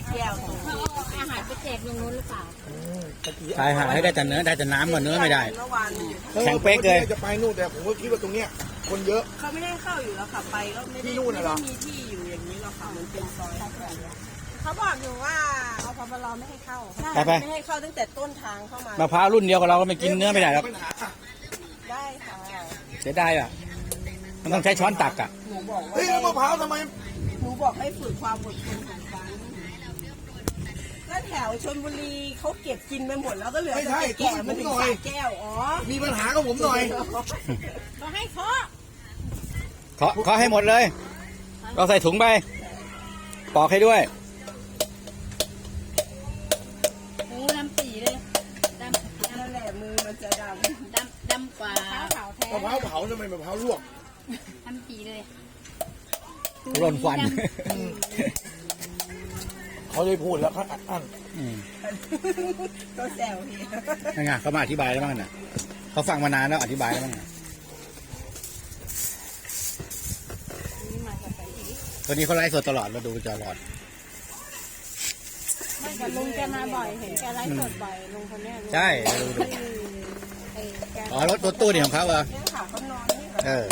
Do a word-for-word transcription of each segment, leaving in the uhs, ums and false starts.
แก้วเขาเอาอาหารไปแจกตรงนู้นหรือเปล่าใช่ฮะให้ได้แต่เนื้อได้แต่น้ำก่อนเนื้อไม่ได้เมื่อวานมันอยู่แข็งเป๊กเลยจะไปนู่นแต่ผมก็คิดว่าตรงเนี้ยคนเยอะเขาไม่ได้เข้าอยู่แล้วค่ะไปก็ไม่ได้ไม่ได้มีที่อยู่อย่างนี้หรอกค่ะมันเป็นซอยเขาบอกอยู่ว่าเอาพบลไม่ให้เข้าไม่ให้เข้าตั้งแต่ต้นทางเข้ามามะพร้าวรุ่นเดียวกับเราก็ไม่กินเนื้อไม่ได้หรอกได้ค่ะเสียดายอ่ะมันต้องใช้ช้อนตักอ่ะหนูบอกว่าเฮ้ยมะพร้าวทำไมหนูบอกให้ฝึกความอดทนของกันก็แถวชลบุรีเขาเก็บกินไปหมดแล้วก็เหลือแต่แก่มันถึงสาแก้วอ๋อมีปัญหากับผมหน่อยก็ให้เคาะเคาะเคาะให้หมดเลยเราใส่ถุงไปปอกให้ด้วยโอ้ดำปีเลยดำนั่นแหละมือมันจะดำดำดำกว่ามะพร้าวแท้มะพร้าวเผาทำไมมะพร้าวลวกดำปีเลยร่นฟันเขาเลยพูดแล้วเขาอัดอั้นก็แซวเฮียนั่นไงเขามาอธิบายแล้วบ้างน่ะเขาฟังมานานแล้วอธิบายแล้วบ้างตอนนี้เขาไลฟ์สดตลอดเราดูตลอดไม่แต่ลุงแกมาบ่อยเห็นแกไลฟ์สดบ่อยลุงคนนี้ใช่ดูดูอ๋อรถรถตู้นี่ของเขาเหรอเออ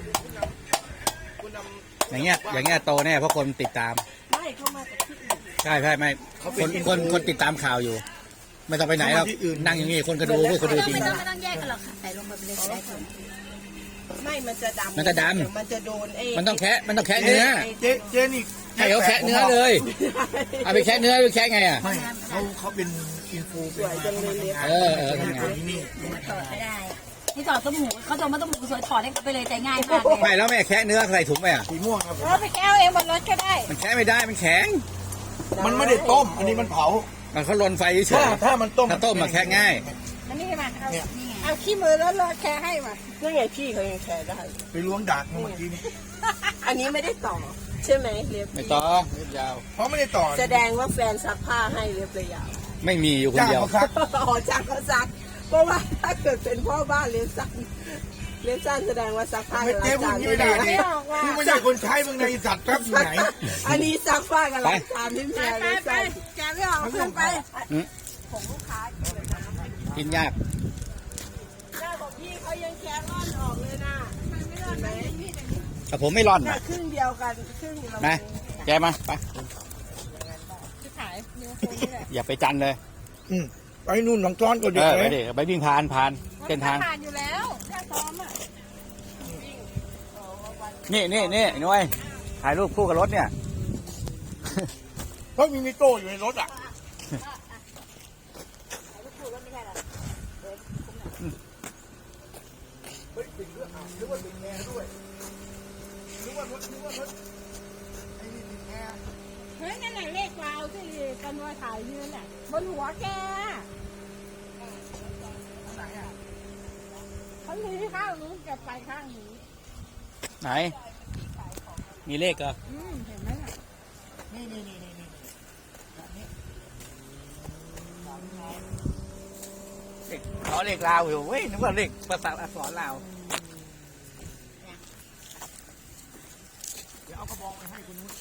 อย่างเงี้ยอย่างเงี้ยโตแน่เพราะคนติดตามไม่เข้ามาจากที่อื่นใช่ใช่ไม่คนคนคนติดตามข่าวอยู่ไม่ต้องไปไหนแล้วนั่งอย่างนี้คนก็ดูพวกคนดูจริงไม่ต้องไม่ต้องแยกกันหรอกค่ะใส่ลงไปเลยได้คนไม่มันจะดำมันจะดำมันจะโดนเองมันต้องแคะมันต้องแคะเนื้อเจ๊เจ๊นี่ให้เขาแคะเนื้อเลยเอาไปแคะเนื้อไปแคะไงอ่ะไม่เขาเขาเป็นอินฟูสวยจังเลยเล็บเออเออทำงานที่นี่ถอดไม่ได้ที่ถอดต้มหมูเขาจะมาต้มหมูสวยถอดได้ไปเลยใจง่ายมากไม่แล้วแม่แคะเนื้อใส่ถุงไปอ่ะสีม่วงครับเราไปแก้วเองบนรถก็ได้มันแคะไม่ได้มันแข็งมันไม่ได้ต้มอันนี้มันเผามันเขาลนไฟเฉยถ้ามันต้มถ้าต้มมาแคะง่ายมันนี่มาเอาเอาขี้มือแล้วรอแค่ให้มานี่ไงพี่เขายังแชร์ได้ไปล้วงดากเมื่อกี้นี้อันนี้ไม่ได้ต่อใช่ไหมเล็บไม่ต่อเล็บยาวเพราะไม่ได้ต่อแสดงว่าแฟนซักผ้าให้เล็บเลยยาวไม่มีอยู่คนเดียวอ๋อจ้างเขาซักเพราะว่าถ้าเกิดเป็นพ่อบ้านเล็บสั้นเล็บสั้นแสดงว่าซักผ้ากับล้างจานไม่ได้ไม่ไม่ใช่คนใช้เมืองในสัตว์ครับอยู่ไหนอันนี้ซักผ้ากับล้างจานที่แม่เล็บสั้นแกไม่ออกขึ้นไปของลูกค้ากินยากหน้าของพี่เขายังแค่ร่อนออกเลยนะไม่ร่อนไหมแต่ผมไม่ร่อนนะครึ่งเดียวกันครึ่งเรานะแกมาไปขายนิ้วโค้งนี่แหละอย่าไปจันเลยอืมไปนู่นหนองจ้อนก็เด็กไปดิไปวิ่งผ่านผ่านเส้นทางผ่านอยู่แล้วแค่ซ้อมอ่ะนี่นี่นี่น้อยถ่ายรูปคู่กับรถเนี่ยเพราะมีมิโต้อยู่ในรถอ่ะหรือว่าติดแอร์ด้วยหรือว่ารถหรือว่ารถไอ้นี่ติดแอร์เฮ้ยนั่นแหละเลขเราที่กันว่าถ่ายยืนน่ะบนหัวแกเขาหนีข้างนู้นแกไปข้างนี้ไหนมีเลขเหรออืมเห็นไหมล่ะนี่นี่นี่นี่นี่อ๋อเลขลาวอยู่เว้ยนึกว่าเลขภาษาอักษรลาวเดี๋ยวเอากระบอกไปให้คนนู้น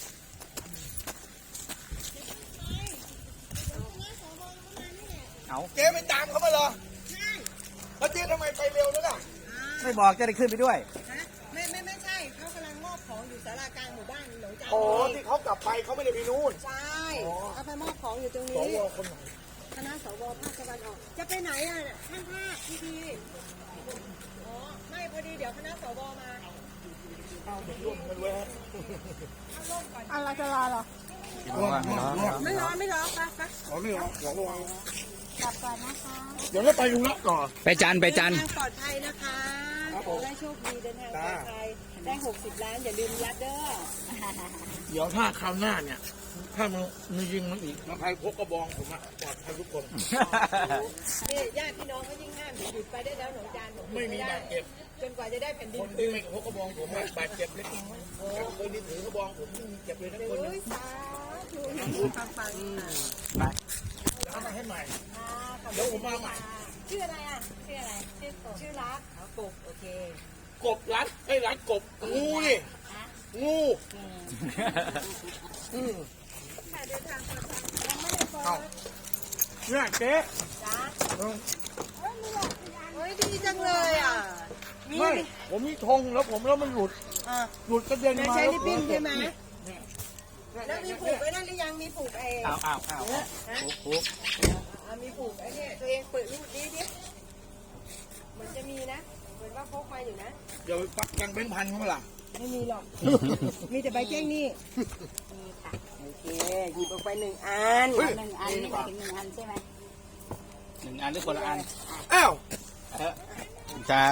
เอาเจ๊ไม่ตามเขามาเหรอใช่แล้วเจ๊ทำไมไปเร็วนั่นน่ะไม่บอกจะได้ขึ้นไปด้วยไม่ไม่ไม่ใช่เขากำลังมอบของอยู่ศาลากลางหมู่บ้านหนองจานโอ้ที่เขากลับไปเขาไม่ได้ไปนู่นใช่เขาไปมอบของอยู่ตรงนี้สวคนไหนคณะสวภาคตะวันออกจะไปไหนอ่ะท่านภาคพี่ดีอ๋อไม่พอดีเดี๋ยวคณะสวมาเอาไปร่วมกันเว้ยอะไรจะรอหรอไม่ร้อนไม่ร้อนปะปะขอไม่ร้อนขอระวังกลับก่อนนะคะเดี๋ยวเราไปดูละก่อนไปจันไปจันปลอดภัยนะคะได้โชคดีเดินทางปลอดภัยได้หกสิบล้านอย่าลืมยัดเด้อเดี๋ยวถ้าคราวหน้าเนี่ยถ้ามันมียิงมันอีกมาใครพกกระบองผมอะปลอดภัยทุกคนนี่ญาติพี่น้องเขายิ่งห้ามหยุดไปได้แล้วหนองจานไม่มีบาดเจ็บจนกว่าจะได้แผ่นดินคนที่ไม่พกกระบองผมบาดเจ็บเล็กน้อยแต่คนที่ถือกระบองผมไม่มีเจ็บเลยทั้งคนนะสาธุฟังฟังไปเอามาให้ใหม่เดี๋ยวผมมาใหม่ชื่ออะไรอ่ะชื่ออะไรชื่อกบชื่อรักกบโอเคกบรัดไอ้รัดกบงูนี่งูค่ะเดินทางปลอดภัยยังไม่ได้เปิดเอ้าเนี่ยเจ๊จ้าเออเฮ้ยดีจังเลยอ่ะมีไม่ผมมีธงแล้วผมแล้วมันหลุดอ่าหลุดกระเด็นมาใช้ลิปปิ้นใช่ไหมเนี่ยแล้วมีผูกไว้นั่นหรือยังมีผูกไอ้อ้าวอ้าวอ้าวปุ๊บอ่ามีผูกไอ้เนี่ยตัวเองเปิดรูดดิดิเหมือนจะมีนะเหมือนว่าพกมาอยู่นะเดี๋ยวปักยังเป็นพันเขาล่ะไม่มีหรอก มีแต่ใบแจ้งหนี่โอเคหยิบออกไปหนึ่งอันหนึ่งอันนี่หมายถึงหนึ่งอันใช่ไหมหนึ่งอันหรือคนละอันอ้าวเออครับ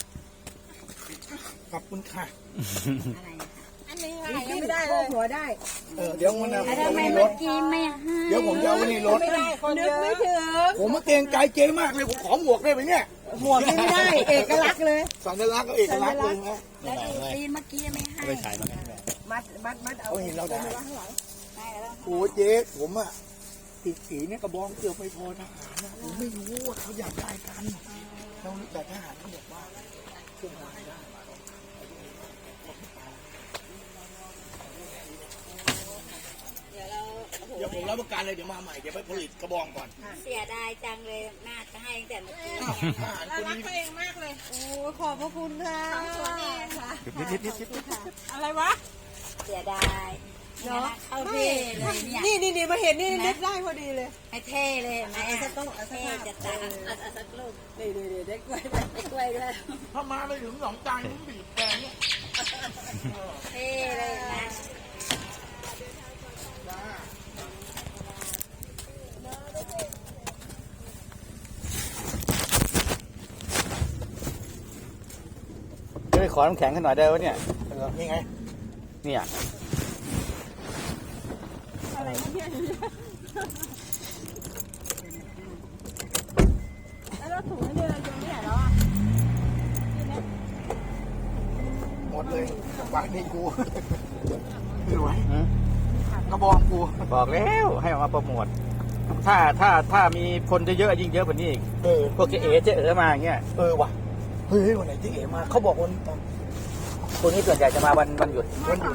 ขอบคุณค่ะอะไรอันนี้ค่ะยังไม่ได้เลยหัวได้เออเดี๋ยวมันนะแล้วทำไมรเมื่อถกี้ไม่ให้เดี๋ยวผมจะเอาไว้ในรถไม่ได้คนนึกไม่ถึงผมมาเกรงใจเจ๊มากเลยผมขอหมวกได้ไหมเนี่ยหมวกนี่ไม่ได้ เอกลักษณ์เลยสัญลักษณ์ก็เอกลักษณ์เลยนะแล้วดูตีนเมื่อกี้ไม่ให้ไม่ถ่ายมาไงมัดมัดมัดเอาเขาเห็นเราได้ได้แล้วโอ้เจ๊ผมอะติดสีเนี่ยกระบองเกี่ยวไม่พอทหารนะผมไม่รู้ว่าเขาอยากได้กันเราแต่ทหารเขาบอกว่าเครื่องรางได้เดี๋ยวผมรับประกันเลยเดี๋ยวมาใหม่เดี๋ยวไปผลิตกระบองก่อนเสียดายจังเลยน่าจะให้ตั้งแต่เมื่อกี้อ้าวทหารเราคนรักนี้ตัวเองมากเลย โอ้ขอบพระคุณค่ะตัวเองค่ะนิดนิดนิดนิดอะไรวะเสียดายเนาะเข้าเท่เลยเนี่ยนี่นี่นี่มาเห็นนี่นึกได้พอดีเลยให้เท่เลยไหมไอ้สักต้องเอาสักเท่ห้าจะตาเอาสักลูกนี่นี่นี่ได้กล้วยได้กล้วยด้วยถ้ามาไม่ถึงสองจานผมบีบแกงเนี่ยเท่เลยนะจะไปขอน้ำแข็งกันหน่อยได้ไหมเนี่ยเออนี่ไงเนี่ยอะไรเนี่ยแล้วเราถุงนี่เราอยู่ที่ไหนแล้วอ่ะหมดเลยบางทีกูไม่ไหวหืมกระบองกูบอกแล้วให้ออกมาโปรโมทถ้าถ้าถ้ามีคนเยอะๆยิ่งเยอะกว่านี้อีกเออพวกเจ๊เอ๋เจ๊เอ๋มาอย่างเงี้ยเออว่ะเฮ้ยวันไหนที่เอ๋มาเขาบอกวันตอนคนนี้ส่วนใหญ่จะมาวันวันหยุดวันหยุด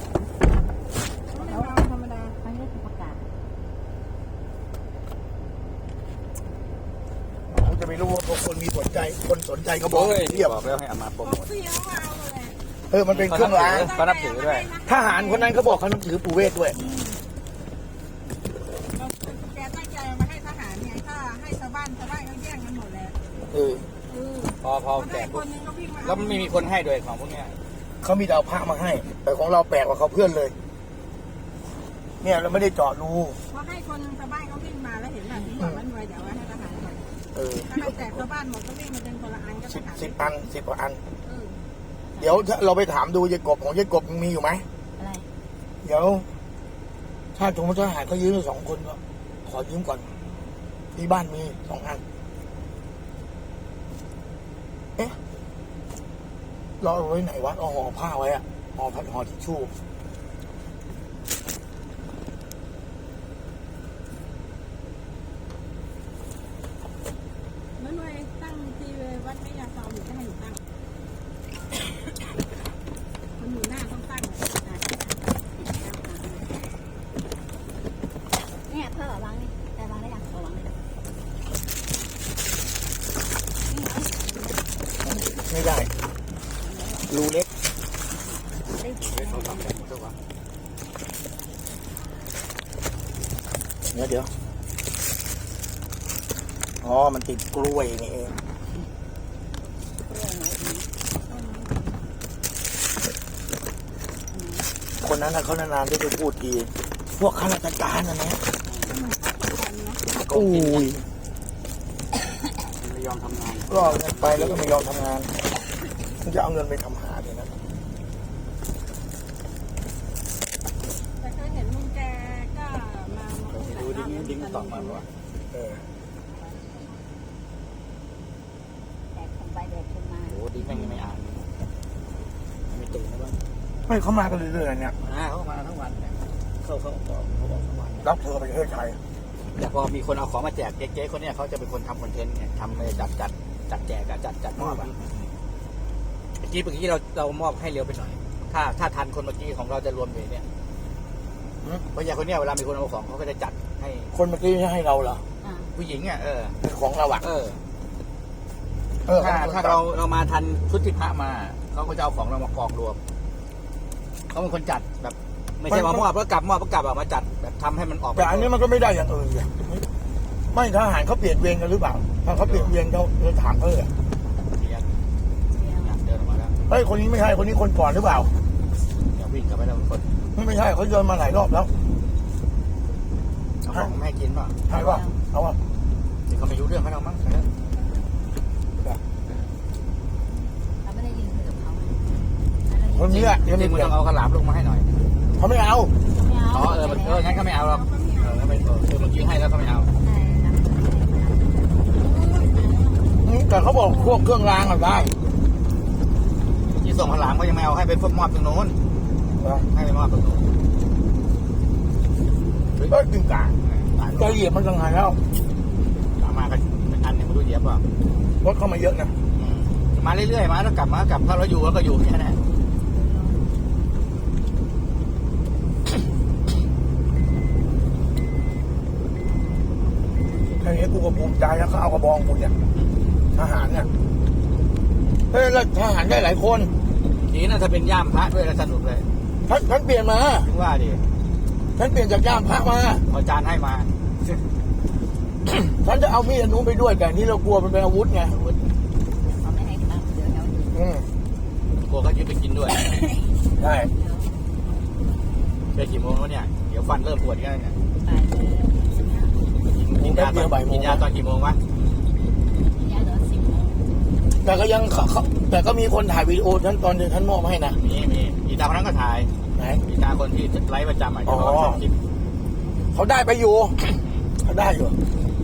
ธรรมดาอันนี้คือประกาศผมจะไม่รู้ว่าคนมีสนใจคนสนใจกระบองโอ้ยเทียบบอกแล้วให้เอามาโปรโมทเสียวเอาเลยเออมันเป็นเครื่องรางเขานับถือด้วยทหารคนนั้นเขาบอกเขานับถือปู่เวทด้วยแกตั้งใจมาให้ทหารเนี่ยถ้าให้ชาวบ้านชาวบ้านเขาแย่งกันหมดแล้วเออพอพอพอแจได้กคปุ๊บนนึงก็วิ่งมาแล้วไม่มีคนให้ด้วยของพวกเนี้ยเขามีดาวพระมาให้ แต่ของเราแปลกกว่าเขาเพื่อนเลย เนี่ยเราไม่ได้เจาะรูพอให้คนชาวบ้านเขาวิ่งมาแล้วเห็นแบบนี้บอกมันรวยเดี๋ยวไว้ให้ทหารหน่อยเออถ้าให้แจกชาวบ้านหมดก็วิ่งมาเป็นคนละอันก็ทสิบหารสิบอันสิบกว่าอันเออเดี๋ยวเราไปถามดูยายกบของยายกบยังมีอยู่ไหมอะไรเดี๋ยว ถ้าสมมติทหารเขายืมสองคนก็ขอยืมก่อน ที่บ้านมีสองอัน เอ๊ะเราเอาไว้ไหนวะเอาห่อผ้าไว้อะห่อพัดห่อทิชชู่นั่นรวยตั้งทีวัดไม่ยาซอมหรือจะให้หนูตั้งคนอยู่หน้าต้องตั้งเลยนะเนี่ยเพิ่มวางนี่แต่วางได้ยังเอาวางได้ยังไม่ได้ รูเล็กได้เดี๋ยวเดี๋ยวอ๋อ มันติดกล้วยนี่เอง คนนั้นนะเขานานๆที่จะพูดดี พวกข้าราชการนะนะอุ้ยไม่ยอมทำงานก็เอาเงินไปแล้วก็ไม่ยอมทำงานมึงจะเอาเงินไปทำหาเลยนะแต่เคยเห็นลุงแกก็มามาพูดหลายดูรอบดิ้งแล้วดิ้งตอบมาว่าเออแดกคนไปแดกคนมาโอ้ดิ้งแม่งยังไม่อ่านไม่ตื่นนะบ้างไม่เขามากันเรื่อยๆเนี่ยมาเขามาทั้งวันเนี่ยเขาเขาเขาเขาบอกทั้งวันรับเธอไปประเทศไทยแต่พอมีคนเอาของมาแจกเจ๊ๆคนเนี้ยเขาจะเป็นคนทำคอนเทนต์ไงทำเลยจัดจัดจัดแจกอะจัดจัดมอบอะเมื่อกี้เมื่อกี้เราเรามอบให้เร็วไปหน่อย ถ้าถ้าทันคนเมื่อกี้ของเราจะรวมอยู่เนี่ยเพราะอย่างคนเนี้ยเวลามีคนเอาของเขาก็จะจัดให้คนเมื่อกี้ไม่ให้เราเหรออ่าผู้หญิงอ่ะเออเป็นของเราอ่ะเออเออถ้าถ้าเราเรามาทันชุดที่พระมาเขาก็จะเอาของเรามากองรวมเขาเป็นคนจัดแบบ ไม่ใช่มามอบแล้วกลับมอบแล้วกลับอะมาจัดแบบทำให้มันออกแต่อันนี้มันก็ไม่ได้อย่างอื่นเนี่ยไม่ทหารเขาเปลี่ยนเวรกันหรือเปล่าถ้าเขาเปลี่ยนเวรเขาเราถามเขาเลยอะเสียเดินออกมาแล้วเฮ้ยคนนี้ไม่ใช่คนนี้คนก่อนหรือเปล่าอย่าวิ่งกลับไปแล้วคนไม่ใช่เขาเดินมาหลายรอบแล้วเอาของไม่ให้กินป่ะใช่ป่ะเอาอ่ะที่เขาไม่รู้เรื่องเขาเรามั้งเราไม่ได้ยินคุยกับเขาคนนี้อ่ะจยังริไม่งๆมันเปลี่ยต้นองเอาขลามลงมาให้หน่อยเขาไม่เอาไม่เอาอ๋อเออเอองั้นก็ไม่เอาหรอกเออไม่คือเมื่อกี้ให้แล้วก็ไม่เอาแต่เขาบอกพวกเครื่องรางอะได้ที่ส่งขลามก็ยังไม่เอาให้ไปมอบตรงโน้นให้ไปมอบตรงโน้นก็จริงกลางใจเหยียบมันยังไงแล้วตามมากันอันหนึ่งไม่รู้เหยียบป่ะรถเข้ามาเยอะนะมาเรื่อยๆมาแล้วกลับมากลับถ้าเราอยู่แล้วก็อยู่แค่นั้นแค่นี้กูก็ภูมิใจแล้วเขาเอากระบองกูเนี่ยทหารเนี่ยเฮ้ยแล้วทหารได้หลายคนทีน่าจะเป็นย่ามพระด้วยแล้วสนุกเลยท่านท่านเปลี่ยนมาถึงว่าดิท่านเปลี่ยนจากย่ามพระมาพอจานให้มาฉันจะเอามีดอันนู้นไปด้วยแต่นี่เรากลัวมันเป็นอาวุธไงเขาไม่ให้ตังค์เดี๋ยวเขาอืมกลัวเขายึดไปกินด้วยใช่ไปกี่โมงแล้วเนี่ยเดี๋ยวฟันเริ่มปวดกันเนี่ยตายเลยกินยาตอนกินยาตอนกี่โมงวะยาเหลือสิบโมงแต่ก็ยังเขาเขาแต่ก็มีคนถ่ายวีดีโอท่านตอนที่ท่านมอบให้นะมีมีอีตาคนนั้นก็ถ่ายไหนอีตาคนที่ไลฟ์ประจำอ่ะที่เขาชอบคลิปเขาได้ไปอยู่ เขาได้อยู่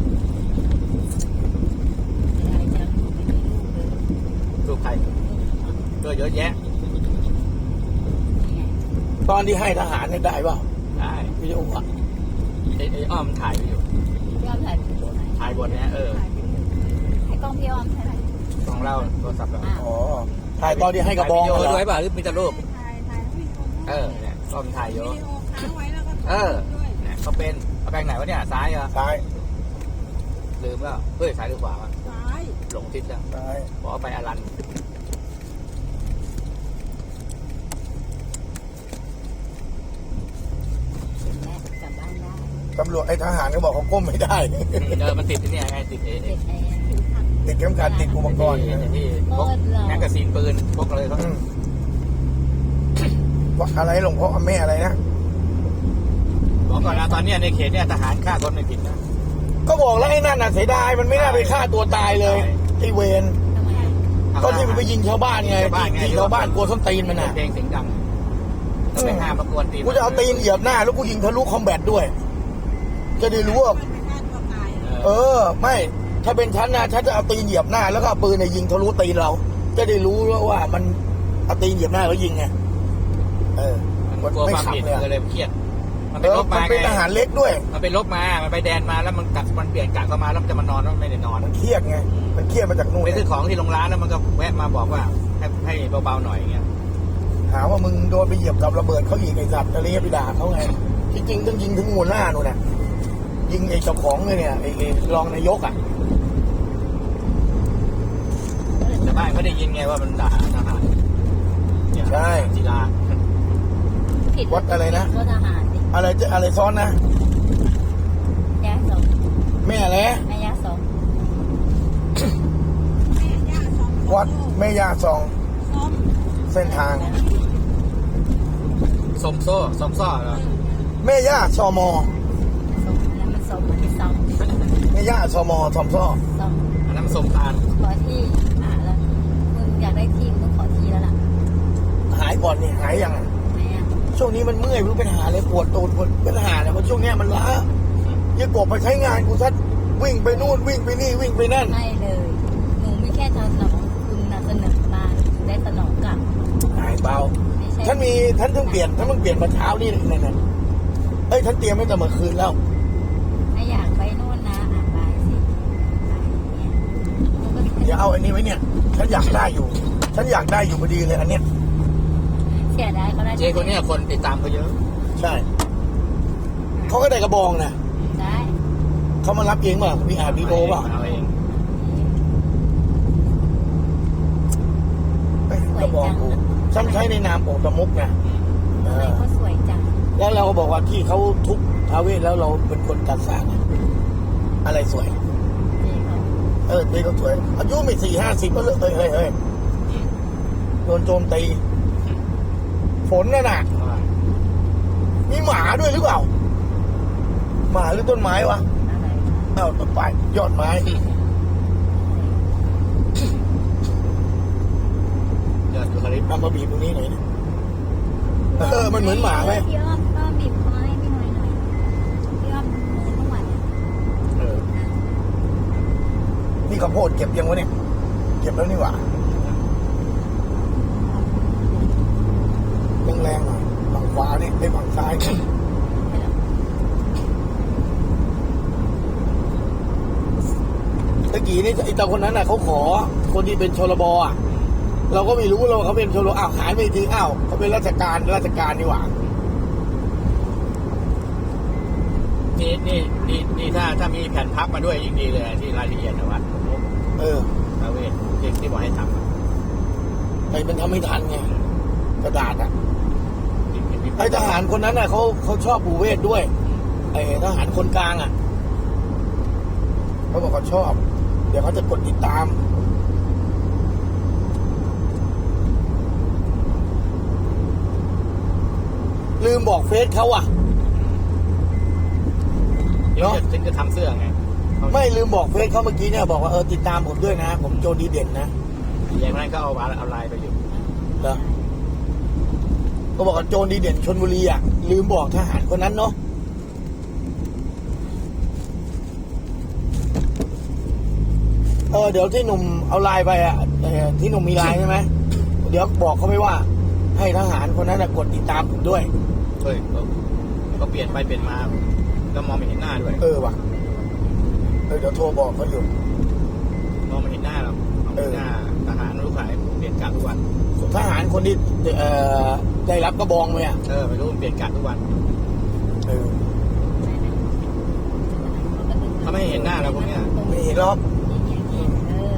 อะไรจังไม่มีลูกเลยรูปใครก็เยอะแยะนี่ไงตอนที่ให้ทหารเนี่ยได้เปล่าได้วิดีโออะไอ้ไอ้อ้อมถ่ายอยู่พี่อ้อมถ่ายเป็นตัวไหนถ่ายบนเนี้ยเออให้กล้องพี่อ้อมใช่ไหมของเราโทรศัพท์เราอ่าอ๋อถ่ายตอนที่ให้กระบองถ่ายวิดีโอเหรอด้วยป่ะหรือมีแต่รูปถ่ายถ่ายแล้วมีคนเออเนี่ยก็มีถ่ายเยวิอะดีโอค้างไว้แล้วก็เออด้วยเนี่ยเขาเป็นเอาแปลงไหนวะเนี่ยซ้ายเหรอซ้ายลืมแล้วเฮ้ยซ้ายหรือขวาวะซ้ายหลงทิศแล้วซ้ายบอกว่าไปอลันเสร็จแล้วกลับบ้านได้ตำรวจไอ้ทหารก็บอกเขาก้มไม่ได้เออมันติดที่เนี่ยไงติดเอเด็กไอ้ผิวพันติดเข็มขัดติดอุปกรณ์ที่ที่พกแมกกาซีนปืนพกอะไรเขาอืมว่าอะไรหลวงพ่อแม่อะไรนะบอกก่อนนะตอนเนี้ยในเขตเนี่ยทหารฆ่าคนไม่ผิดนะก็บอกแล้วไอ้นั่นน่ะเสียดายมันไม่น่าไปฆ่าตัวตายเลยไอ้เวรทำไมอ่ะก็ที่มันไปยิงชาวบ้านไงยิงชาวบ้านกลัวส้นตีนมันน่ะเพลงเสียงดังแล้วไปห้ามประกวนตีนกูจะเอาตีนเหยียบหน้าแล้วกูยิงทะลุคอมแบทด้วย จะได้รู้ว่ามันไปฆ่าตัวตายเออ ไม่ถ้าเป็นฉันนะฉันจะเอาตีนเหยียบหน้าแล้วก็เอาปืนเนี่ยยิงทะลุตีนเรา จะได้รู้ว่ามันเอาตีนเหยียบหน้าแล้วยิงไงเออมันกลัวไม่ความขับผิดเลยอะเลยเครียดมันไปเออลบมันมาเป็นไงทหารเล็กด้วยมันไปลบมามันไปแดนมาแล้วมันกัดมันเปลี่ยนกะเข้ามาแล้วมันจะมานอนแล้วมันไม่ได้นอนมันเครียดไงมันเครียดมาจากนู่นไปซื้อของที่โรงร้านแล้วมันก็แวะมาบอกว่าให้ให้เบาๆหน่อยอย่างเงี้ยหาว่ามึงโดนไปเหยียบกับระเบิดเขาอีกไอ้สัตว์อะไรเงี้ยไปด่าเขาไงที่จริงต้องยิงถึงหัวหน้านู่นน่ะยิงไอ้เจ้าของเลยเนี่ยไอ้ไอ้รองนายกอ่ะแต่บ้านเขาได้ยินไงว่ามันด่าทหารเนี่ยใช่จีราผิดวัดอะไรนะก็ทหารดิอะไรจะอะไรซ้อนนะยาสองแม่แหละแม่ยาสองแม่ย่าสองวัดแม่ยาซองซ้อมเส้นทางสมโซ่สมซ่อเหรอแม่ย่าซอมอสองแล้วมันสองมันเป็นสองแม่ย่าซอมอซอมซ้อสองอันนั้นมันสมตาลขอที่อ่ะแล้วมึงอยากได้ที่มึงต้องขอที่แล้วล่ะหายก่อนนี่หายยังแม่อ่ะช่วงนี้มันเมื่อยไม่รู้เป็นหาเลยปวดตูดปวดเป็นหาเลยเพราะช่วงเนี้ยมันล้ายี่กบไปใช้งานกูทัดวิ่งไปนู่นวิ่งไปนี่วิ่งไปนั่นไม่เลย หนูไม่แค่สนองคุณนะเสนอมาถึงได้สนองกลับหายเบาไม่ใช่ฉันมีท่านเพิ่งเปลี่ยนท่านเพิ่งเปลี่ยนมาเช้านี่นั่นน่ะเอ้ยท่านเตรียมไว้แต่เมื่อคืนแล้วถ้าอยากไปโน่นนะอ่ะไปสิไปเนี่ยหนูก็เดี๋ยวเอาอันนี้ไว้เนี่ย ฉันอยากได้อยู่ ฉันอยากได้อยู่พอดีเลยอันเนี้ยเสียดายเขาได้เจ๊คนเนี้ยคนติดตามเขาเยอะใช่เขาก็ได้กระบองนะได้เขามารับเองเปล่ะมีอาดีโอเปล่ะเอาเองเอ้ยกระบองกูฉันใช้ในนามองค์ตะมุกนะเอทำไมอเขาสวยจังแล้วเราก็บอกว่าที่เขาทุบท้าวเวสแล้วเราเป็นคนจัดสร้างอะอะไรสวยเจ๊เขาเออเด็กเขาสวยอายุไม่สี่ห้าสิบก็เลิกเฮ้ยเฮ้ยเฮ้ยโดนโจมตี ฝนน่ะนะมีหมาด้วยหรือเปล่า หมาหรือต้นไม้วะอะไรอ้าวต้นไม้ยอดไม้ยอดยูคาลิปทำมาบีบตรงนี้หน่อยนะเออมันเหมือนหมาไหมพี่อ้อมก็บีบคอให้พี่หน่อยหน่อยพี่อ้อมมือนวดอ่ะเออนี่ข้าวโพดเก็บยังวะเนี่ย เก็บแล้วนี่หว่าแรงๆหน่อยฝั่งขวานี่ไอ้ฝั่งซ้ายนี่ตะกี้นี่ไอ้ตาคนนั้นน่ะเขาขอคนที่เป็นชลบอ่ะ เราก็ไม่รู้เราเขาเป็นชลบอ้าวหายไปทีอ้าวเขาเป็นราชการราชการนี่หว่านี่นี่นี่นี่ถ้าถ้ามีแผ่นพับมาด้วยยิ่งดีเลยที่รายละเอียดนะวัดเออทาเวศที่ที่บอกให้ทำอะไอ้มันทำไม่ทันไงกระดาษอ่ะที่ที่ที่ไอ้ทหารคนนั้นน่ะเขาเขาชอบปู่เวทด้วยไอ้ทหารคนกลางอ่ะเขาบอกเขาชอบ เดี๋ยวเขาจะกดติดตาม ลืมบอกเฟซเขาอ่ะเดี๋ยวจะถึงจะทำเสื้อไงไม่ลืมบอกเฟซเขาเมื่อกี้เนี่ยบอกว่าเออติดตามผมด้วยนะ ผมโจดีเด่นนะอย่างนั้นก็เอาเอาลายไปอยู่เหรอก็บอกว่าโจดีเด่นชลบุรีอ่ะลืมบอกทหารคนนั้นเนาะเออเดี๋ยวที่หนุ่มเอาไลน์ไปอ่ะเออที่หนุ่มมีไลน์ใช่ไหมเดี๋ยวบอกเขาไปว่า ให้ทหารคนนั้นนะกดติดตามผมด้วยเฮ้ยเขาเขาเปลี่ยนไปเปลี่ยนมาก็มองไม่เห็นหน้าด้วยเออว่ะเออเดี๋ยวโทรบอกเขาอยู่มองไม่เห็นหน้าเรามองไม่เห็นหน้าทหารลูกขายเปลี่ยนกะทุกวันทหารคนที่เอ่อได้รับกระบองไหมอ่ะเออไม่รู้มันเปลี่ยนกะทุกวันเออเขาไม่เห็นหน้าเราพวกเนี้ยไม่เห็นหรอกเออ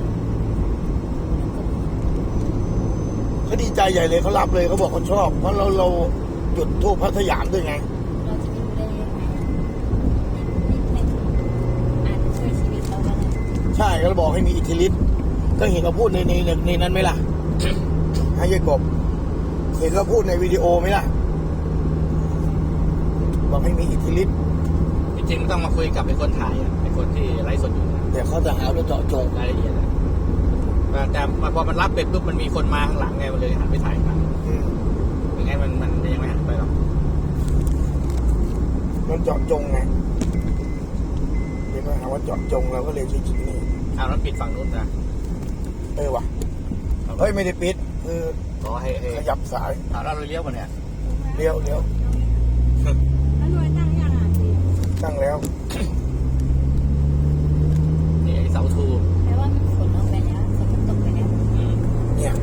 เขาดีใจใหญ่เลยเขารับเลยเขาบอกเขาชอบ เพราะเราเราจุดทูปพัทยามด้วยไงเราจะไม่รู้ได้ยังไงนี่เป็นอาจจะช่วยชีวิตเราก็ได้ใช่ก็บอกให้มีอิทธิฤทธิ์ก็เห็นเขาพูดในในในในนั้นไหมล่ะ ให้ยายกบเห็นเขาพูดในวิดีโอไหมล่ะบอกให้มีอิทธิฤทธิ์จริงๆต้องมาคุยกับไอ้คนถ่ายอ่ะไอ้คนที่ไลฟ์สดอยู่นะเดี๋ยวเขาจะหาว่าเจาะจงรายละเอียดอะแต่แต่พอมันรับเป็ดปุ๊บมันมีคนมาข้างหลังไงมันเลยหันไปถ่ายกันอืมยังไงมันมันยังไม่หันไปหรอกมันเจาะจงไงเดี๋ยวมาหาว่าเจาะจงเราก็เลยใช้จุดนี้เอาแล้วปิดฝั่งนู้นนะเออว่ะเฮ้ยไม่ได้ปิดคือขอให้ให้ขยับสายเอาแล้วเราเลี้ยวกันเนี่ยเลี้ยวเลี้ยวแล้วหน่วยตั้งยังอ่ะพี่ตั้งแล้วนี่ไอ้เสาทูแปลว่ามันฝนลงไปแล้วฝนมันตกไปแล้วอืมเนี่ย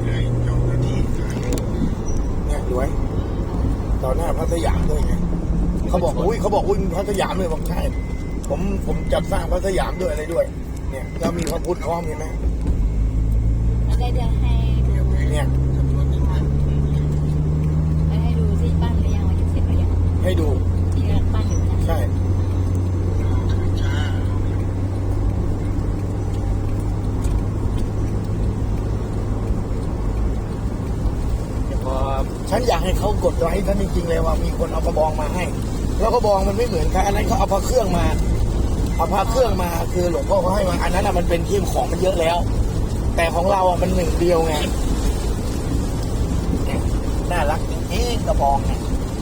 เนี่ยรวยต่อหน้าพัทยามด้วยไงเขาบอกอุ้ยเขาบอกอุ้ยพัทยามเลยบอกใช่ผมผมจัดสร้างพัทยามด้วยอะไรด้วย เนี่ยแล้วมีพระพุทธพร้อมเห็นไหมแล้วได้จะให้ดูเนี่ยให้ดูที่บ้านหรือยังว่าจะเสร็จหรือยังให้ดูที่กำลังปั้นอยู่นะใช่เดี๋ยวพอฉันอยากให้เขากดไลค์ฉันจริงๆเลยว่ามีคนเอากระบองมาให้ แล้วกระบองมันไม่เหมือนใครอันนั้นเขาเอาพระเครื่องมาเอาพระเครื่องมาคือหลวงพ่อเขาให้มาอันนั้นอ่ะมันเป็นที่ของมันเยอะแล้ว แต่ของเราอ่ะมันหนึ่งเดียวไงเนี่ยน่ารักจริงๆกระบองเนี่ย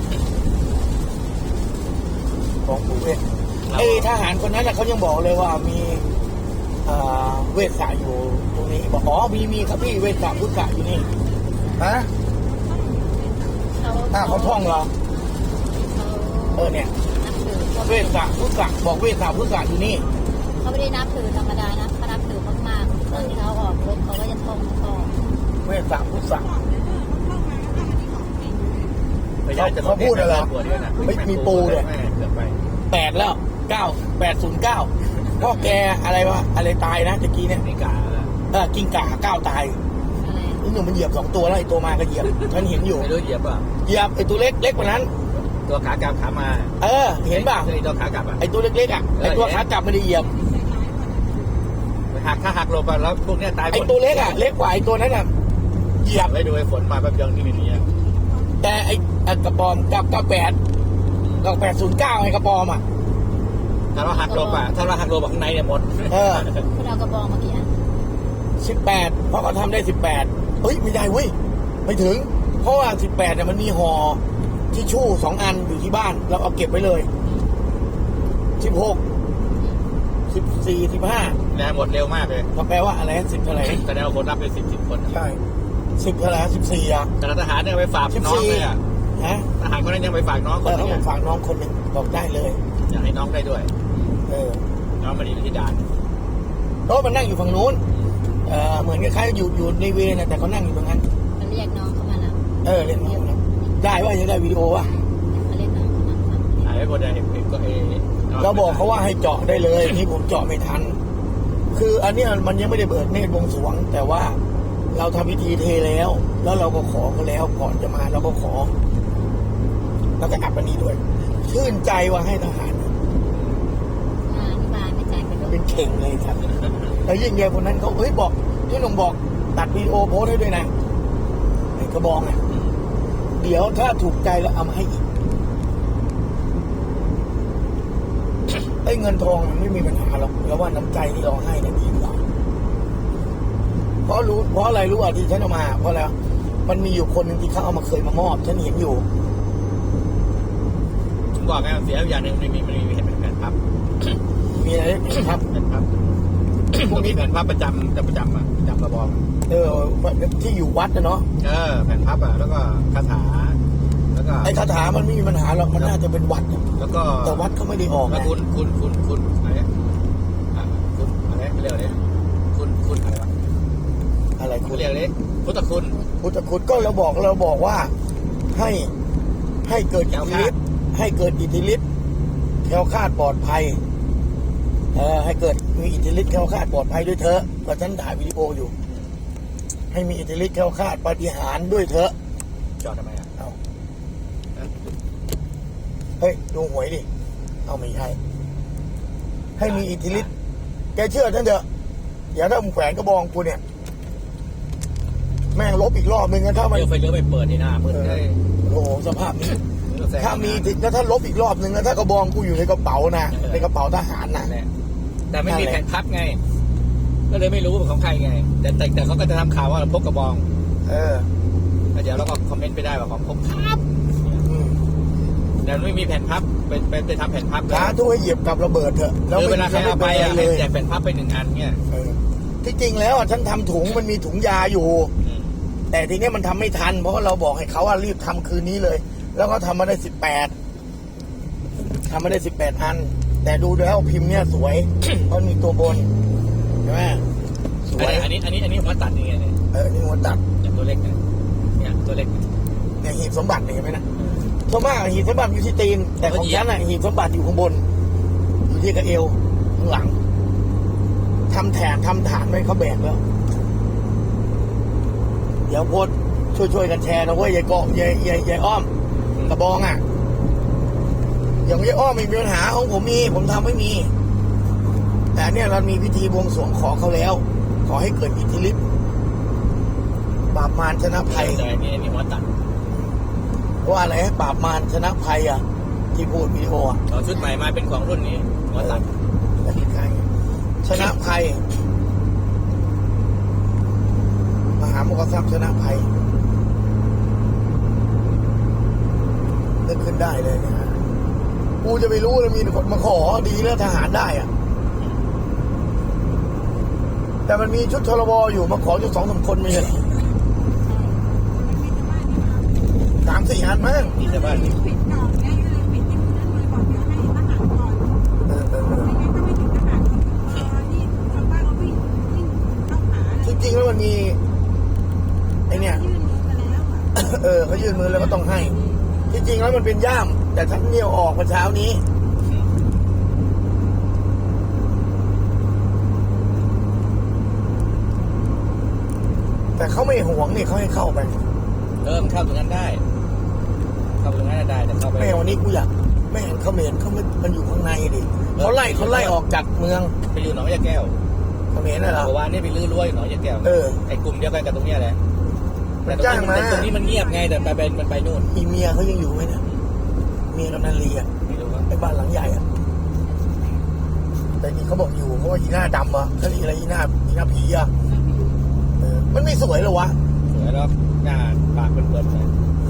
ของปู่เวทไอ้ทหารคนนั้นน่ะเขายังบอกเลยว่ามีเอ่อเวทสาอยู่ตรงนี้บอกอ๋อมีมีครับพี่เวทสาพุทธะอยู่นี่ฮะเขาถ้าเขาท่องเหรอเขาเออเนี่ยนับถือเขาเวทสาพุทธะบอกเวทสาพุทธะอยู่นี่เขาไม่ได้นับถือธรรมดานะเขานับถือมากๆตอนที่เขาออกรบเขาก็จะท่องท่องเวทสาพุทธะไม่ใช่จะเขาพูดอะไรปวดด้วยนะไม่มีปูเนี่ยแม่เกือบไปแปดแล้วเก้าแปดศูนย์เก้าพ่อแกอะไรวะอะไรตายนะตะกี้เนี่ยนี่กาเออกิ้งก่าเก้าตายอะไรนี่หนุ่มมันเหยียบสองตัวแล้วไอ้ตัวมาก็เหยียบฉันเห็นอยู่ไม่รู้เหยียบป่ะเหยียบไอ้ตัวเล็กเล็กกว่านั้นตัวขากลับขามาเออเห็นป่ะไอ้ตัวขากลับอ่ะไอ้ตัวเล็กๆอ่ะไอ้ตัวขากลับไม่ได้เหยียบหักถ้าหักลงไปแล้วพวกเนี้ยตายหมไอ้ดตัวเล็กอ่ะเล็กกว่าไอ้ตัวนั้นอ่ะเหยียบไว้ดูไอ้ฝนมาแป๊บเดียวนี่ไม่มีอ่ะแต่ไอ้ไอ้กระปอมกับกับแปดกับแปดศูนย์เก้าไอ้กระปอมอ่ะถ้าเราหักลงอ่ะถ้าเราหักลงข้างในเนี่ยหมดเออคุณเอากระบองมากี่อันสิบแปดเพราะเขาทำได้สิบแปดเฮ้ยไม่ได้เว้ยไม่ถึง เพราะว่าสิบแปดเนี่ยมันมีห่อทิชชู่สองอันอยู่ที่บ้านเราเอาเก็บไว้เลยสิบหกสิบสี่สิบห้าแรงหมดเร็วมากเลยก็แปลว่าอะไรสิบเท่าไหร่แสดงว่าคนรับไปสิบสิบคนใช่สิบเท่าไหร่สิบสี่อ่ะแต่ทหารเนี่ยไปฝากน้องเลยอ่ะฮะทหารคนนั้นยังไปฝากน้องคเอน อนึเขางบอกอ่ะฝากน้องคนหนึ่งบอกได้เลยอยากให้น้องได้ด้วยเออน้องมาดีที่ด่านเพราะมันนั่งอยู่ฝั่งนู้นเออเหมือนคล้ายๆอยู่อยู่ในเวรนะแต่เขานั่งอยู่ตรงนั้นมันเรียกน้องเข้ามาแล้วเออเล่นน้องนะได้ว่ายังได้วิดีโอว่ะมาเรียกน้องเข้ามาฟังถ่ายไว้คนเดียวเห็นเห็นก็เอเราบอกเขาว่าให้เจาะได้เลยนี่ผมเจาะไม่ทัน คืออันเนี้ยมันยังไม่ได้เบิดเนตรบวงสรวง แต่ว่าเราทำพิธีเทแล้ว แล้วเราก็ขอเขาแล้วก่อนจะมาเราก็ขอ แล้วก็อับอันนี้ด้วย ชื่นใจว่าให้ทหารมาอธิบายไม่ใจเป็นเป็นเข่งเลยครับแล้วยิ่งใหญ่คนนั้นเขาเฮ้ยบอกที่หนุ่มบอกตัดวิดีโอโพสต์ให้ด้วยนะไอ้กระบองอ่ะเดี๋ยวถ้าถูกใจแล้วเอามาให้อีกไอ้เงินทองมันไม่มีปัญหาหรอกแล้วว่าน้ำใจที่เราให้เนี่ยดีกว่าเพราะรู้เพราะอะไรรู้อ่ะที่ฉันเอามา เพราะอะไรมันมีอยู่คนหนึ่งที่เขาเอามาเคยมามอบฉันเห็นอยู่ผมบอกไงเสียอย่างหนึ่งมันมีมันมีแผ่นพับมีอะไรครับแผ่นพับพวกนี้แผ่นพับประจำจะประจำอ่ะประจำกระบอกเออที่อยู่วัดนะเนาะเออแผ่นพับอ่ะแล้วก็คาถาแล้วก็ไอ้คาถามันไม่มีปัญหาหรอกมันน่าจะเป็นวัดแล้วก็แต่วัดเขาไม่ได้ออกแล้วนะคุณคุณคุณคุณอะไรอ่ะคุณอะไรเรียกอะไรคุณคุณอะไรวะอะไรคุคุณณเรียกอะไรพุทธคุณพุทธคุณก็เราบอกเราบอกว่าให้ให้เกิดอิทธิฤทธิ์ให้เกิดอิทธิฤทธิ์แคล้วคลาดปลอดภัยเออให้เกิดมีอิทธิฤทธิ์แคล้วคลาดปลอดภัยด้วยเถอะเพราะฉันถ่ายวิดีโออยู่ ให้มีอิทธิฤทธิ์แคล้วคลาดปาฏิหาริย์ด้วยเถอะจอดทำไมอ่ะเอาเฮ้ยดูหวยดิเอาไม่ใช่ให้มีอิทธิฤทธิ์แกเชื่อฉันเถอะเดี๋ยวถ้ามึงแขวนกระบองกูเนี่ย แม่งลบอีกรอบนึงนะถ้ามันเดี๋ยวไฟเลี้ยวไปเปิดในหน้ามืดเลยโอ้โหสภาพนี้ ถ้ามีแล้วถ้าลบอีกรอบนึงแล้วถ้ากระบองกูอยู่ในกระเป๋านะในกระเป๋าทหารนะแหละแต่ไม่มีแผ่นพับไง ก็เลยไม่รู้ว่าเป็นของใครไง แต่แต่แต่เขาก็จะทำข่าวว่าเราพกกระบองเออแล้วเดี๋ยวเราก็คอมเมนต์ไปได้ว่าของผมพับอืมแต่ไม่มีแผ่นพับเป็นเป็นไปทำแผ่นพับเลยสาธุให้เหยียบกับระเบิดเถอะคือเวลาใครเอาไปอ่ะเลให้ยแจกแผ่นพับไปหนึ่งอันเนี่ยเออที่จริงแล้วอ่ะฉันทำถุงมันมีถุงยาอยู่อืมแต่ทีเนี้ยมันทำไม่ทัน เพราะว่าเราบอกให้เขาว่ารีบทำคืนนี้เลย แล้วก็ทำมาได้สิบแปดทำมาได้สิบแปดอัน แต่ดูแล้วพิมพ์เนี่ยสวย เพราะมีตัวบนใช่ไหมสวยอันนี้อันนี้อันนี้ผมว่าตัดยังไงเนี่ยเออนี่หัวตัดอย่างตัวเล็กเนี่ยเนี่ยตัวเล็กเนี่ยเนี่ยหีบสมบัติเนี่ยเห็นไหมนะส่วนมากหีบสมบัติอยู่ที่ตีน แต่ของฉันอ่ะหีบสมบัติอยู่ข้างบน อยู่ที่กระเอวข้างหลังทำแถนทำฐานไว้เขาแบกแล้ว เดี๋ยวโพสต์ช่วยๆกันแชร์นะเว้ยยายเกาะยายยายยายอ้อมกระบองอ่ะ อย่างยายอ้อมไม่มีปัญหาของผมมี ผมทำไม่มี แต่เนี่ยเรามีพิธีบวงสรวงขอเขาแล้ว ขอให้เกิดอิทธิฤทธิ์ปราบมารชนะภัยแต่อันนี้อันนี้หัวตัดว่าอะไรปราบมารชนะภัยอ่ะ ที่พูดวิดีโออ่ะเอาชุดใหม่มาเป็นของรุ่นนี้หัวตัดชนะภัยมหามกษัตริย์ชนะภัยนึกขึ้นได้เลยนะกูจะไปรู้เลยมีคนมาขอดีแล้วทหารได้อ่ะ แต่มันมีชุดทรบอยู่มาขอจุดสองสามคนไม่ใช่เหรอสามสี่อันมั้งนี่จะบ้านปิดก่อนไงก็เลยปิดที่นั่นเลยบอกเดี๋ยวให้ทหารก่อนเออเออเออไม่งั้นก็ไม่ถึงทหารเออนี่ชาวบ้านเขาวิ่งวิ่งเข้าหาจริงๆแล้วมันมีไอเนี่ยยื่นมือมาแล้วอ่ะเออเขายื่นมือแล้วก็ต้องให้ ที่จริงแล้วมันเป็นย่าม แต่ฉันเนี่ยวออกเมื่อเช้านี้แต่เขาไม่หวงนี่เขาให้เข้าไปเออมันเข้าตรงนั้นได้ เข้าตรงนั้นได้แต่เข้าไปแม่วันนี้กูอยากแม่เห็นเขาเห็นเขาไม่มันอยู่ข้างในดิเขาไล่เขาไล่ออกจากเมืองไปอยู่หนองยาแก้วเขาเห็นน่ะเหรอเมื่อวานนี้ไปลื้อรั้วอยู่หนองยาแก้วเออไอ้กลุ่มเดียวกันกับตรงเนี้ยแหละมัแต่นจ้างมาตรงนี้มันเงียบไงแต่ไปเป็นมันไปนู่นมีเมียเขายังอยู่ไหมเนี่ยเมียกำนันลีอ่ะไม่รู้ว่าไอ้บ้านหลังใหญ่อ่ะแต่นี่เขาบอกอยู่เพราะว่าอีหน้าดำอ่ะเขาเรียกอะไรอีหน้าอีหน้าผีอ่ะเออมันไม่สวยเหรอวะสวยแล้วหน้าปากเป็นเปิดเลย